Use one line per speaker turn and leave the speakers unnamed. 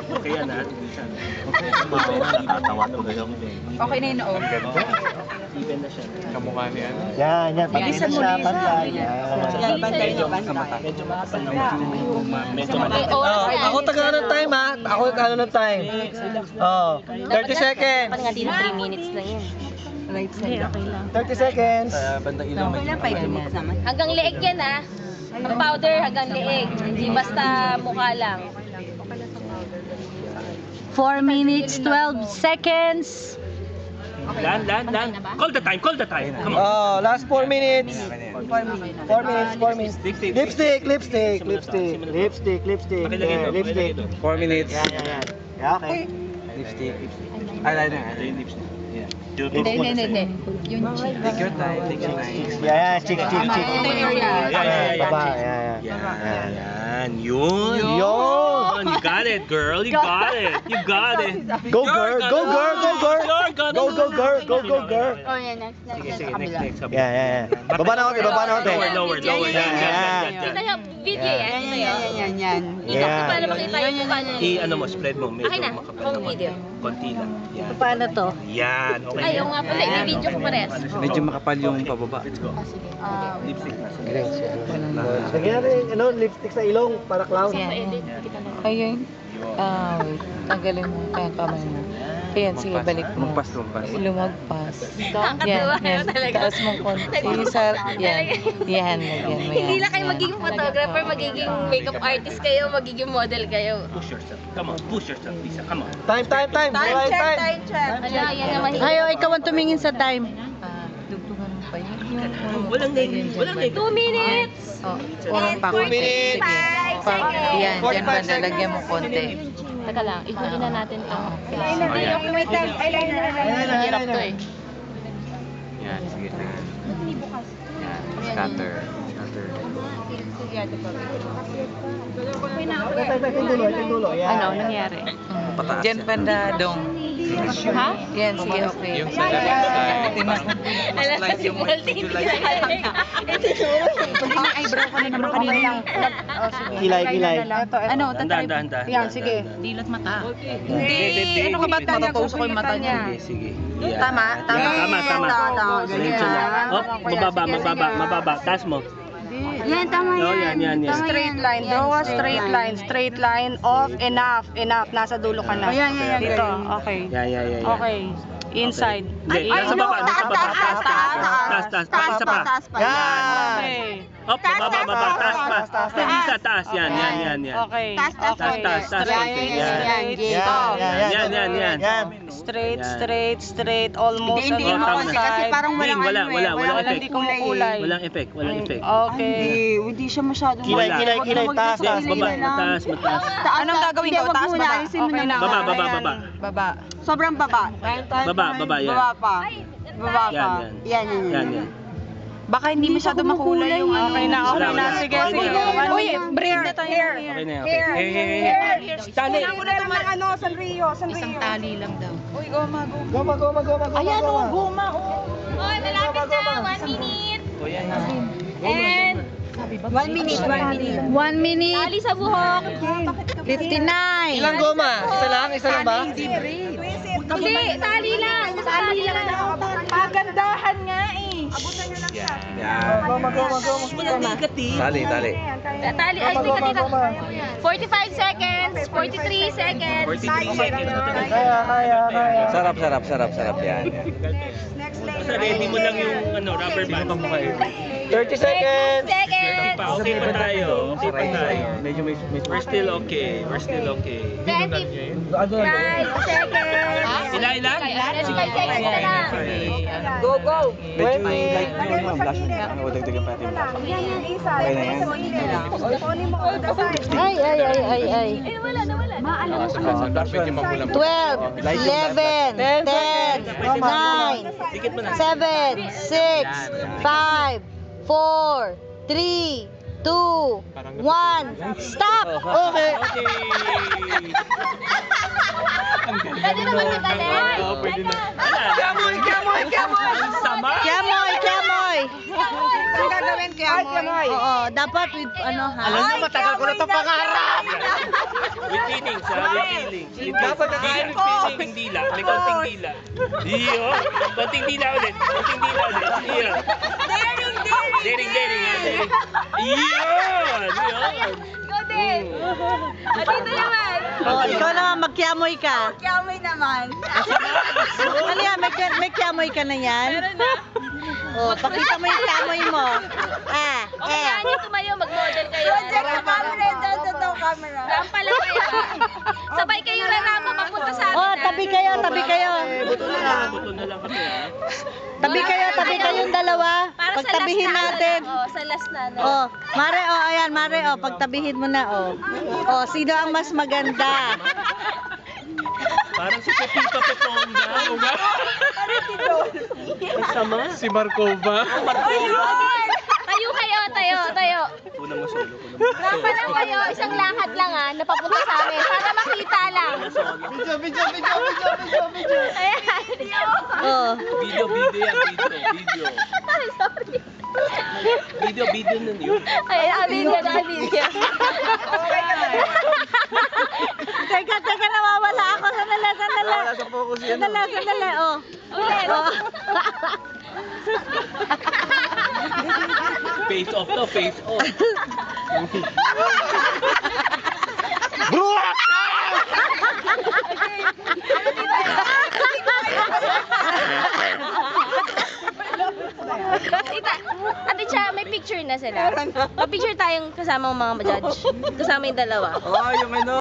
Okay yan ha.
Natatawa to kayo.
Okay na yun, oo.
Even na siya.
Kamukha ni ano.
Yan, yan. Pagkita siya, pantay.
Yan, bantay niyo, bantay.
Medyo makapal na medyo
Ako taga ng time ha. Ako taga ng time. Oh, 30 seconds.
Nga dito 3 minutes lang yan.
Right side.
30 seconds.
bandang ilaw.
Okay lang, 5 minutes naman.
Hanggang leeg yan ah. Ang powder hanggang leeg. Hindi basta mukha lang.
4 minutes, 12 seconds.
Lan. Call the time. Come on.
Oh, last 4 minutes.
4 minutes.
4 minutes. Lipstick.
Pakilagay
Yeah,
doon,
lipstick.
4 minutes.
Yan. Yeah, okay.
Lipstick. Eyeliner.
Hindi. Yung cheek.
Take your time.
Yeah, chick.
Yeah.
Baba, yeah.
Yan. Yun. You got it, girl. You got it.
Go girl.
Oh, yan.
Sige, next.
Yeah. Baba na konti.
Lower.
Yan.
Kita yung video yan.
Yan.
Dito ko para makita yung mukha niya.
Ano mo, spread mo. Medyo
Akin na,
makapal
home
naman.
video.
Konti lang. Yan.
Paano to?
Yan. Okay.
Ayaw nga pala, i-video ko pares.
Medyo makapal yung pababa.
Let's go. Lipstick na.
Lagyan natin lipstick sa ilong para clown.
Ayun. Wait. Tanggalin mo yung kamay mo. Ayan, sige, balik mo.
Lumagpas.
Lumagpas.
Nakakatawa kayo talaga.
Taas mong konti. Yan, lagyan mo yan.
Hindi lang kayo magiging photographer, magiging makeup artist kayo, magiging model kayo.
Push yourself. Come on, push yourself, Lisa. Come on.
Time.
Time check.
Ala, yan naman.
Ayaw, ikaw ang tumingin sa time.
Dugtungan mo pa yun.
Walang name.
2 minutes!
Oras pa.
2 minutes.
5 seconds!
Yan, dyan ba nalagyan mo konti.
Teka lang, ihuli na natin ito.
Hirap to eh.
Yan, sige. Yan, scatter.
Yung dulo. Yan.
Ano nangyari?
Pataas
Dyan
yan.
banda dong. Ha? Yan, sige, okay.
Yung sa left side.
Alam ko si Walter, hindi na kaya.
Eyebrow ko na naman kanina.
Kilay.
Ano,
Dahan.
Yan, sige.
Dilot mata.
Hindi.
Ano ka ba matatausok ko yung mata niya?
Sige.
Tama.
Diretso lang. Mababa. Taas mo.
Yan, tama
Oh,
yan.
yan.
Straight line. Draw a straight line of enough. Nasa dulo ka na.
Yan.
Dito. Okay.
Yan.
Okay. Inside.
Hindi, nasa baba. Taas. Isa pa.
Yan.
Okay.
Up, baba. Taas pa. Lisa, taas. Yan.
Okay.
Taas. konti. Yan.
Straight. Almost.
Hindi
on
mo
one
konti kasi
side.
parang walang
Wala effect.
Hindi kumukulay.
Walang effect.
Okay.
Hindi siya masyadong
Kilay. Taas.
Baba, mataas.
Anong gagawin ko? Taas ba? Okay na.
Baba.
Baba. Sobrang baba.
Baba, yan.
Baba pa.
Yan.
Baka hindi masyado makulay yung
Okay na.
Wala.
Sige.
Uy, break na tayo.
Okay na. Hair. Tali.
Isang tali lang daw.
Uy, goma.
Ayan o, goma o.
Oy, malapit na. 1 minute.
O yan.
And
1 minute.
1 minute,
tali sa buhok.
59.
Ilang goma? Isa lang ba?
Hindi, tali lang. Tali lang.
Pagandahan nga eh.
Tali.
Tali. Ay, hindi ka dito. 45 seconds. 43 seconds.
43 seconds.
Kaya.
Sarap. Yan.
Basta ready mo lang yung rubber band.
30 seconds.
Seconds.
Okay pa tayo.
Medyo may...
We're still okay.
25 seconds.
Ilan?
25 seconds na lang.
Go.
Medyo may light yung flash mo. Dagdagan pa natin. Okay na yan.
Ay.
Eh, wala na.
12, 11, 10, 9, 7, 6, 5, 4, 3, 2, 1, stop!
Okay.
Pwede naman kita din.
Pwede na.
Kamoy.
Sama.
Kiamoy!
Ang gagawin kaya mo?
Oo,
dapat with ano ha?
Alam niyo, matagal ko na ito pangarap.
With feelings, ha? With feelings. Dapat nakain with konting dila. May konting dila. Iyo. Konting dila ulit. Konting dila ulit. Iyo. Daring, ha? Daring. Iyon! Iyon!
Go din. Dito naman.
Oh, ikaw naman, magkiamoy ka.
Kiamoy naman.
Ano yan, may kiamoy ka na yan?
Meron na.
Oh, pakita mo yung kiamoy mo.
Okay, kaya niyo tumayo, mag-model kayo. Camera. Rampa lang kayo. Sabay kayo rarama papunta sa amin.
Oh, tabi kayo.
Buto na lang kami, ha?
Tabi kayong dalawa.
Para sa
Pagtabihin
last na,
natin.
sa last na.
Oh, Mare, ayan, Mare, pagtabihin mo na, Oh, sino ang mas maganda?
Parang si Pepito Peponga. Masama.
Si Marcova.
Tayo.
Una mo solo.
Rampa lang kayo, isang lakad lang na papunta sa amin. Para makita lang.
Video.
Ayan.
Oh.
Video yan. Video nun yun.
Ayan, video.
Teka, nawawala ako. Sandali.
Nasa focus yan.
Sandali, oh.
Ulit.
Face off to, face off.
Ate Cha, may picture na sila. May picture tayong kasama ang mga judge. Kasama yung dalawa.
Oh, yung ano.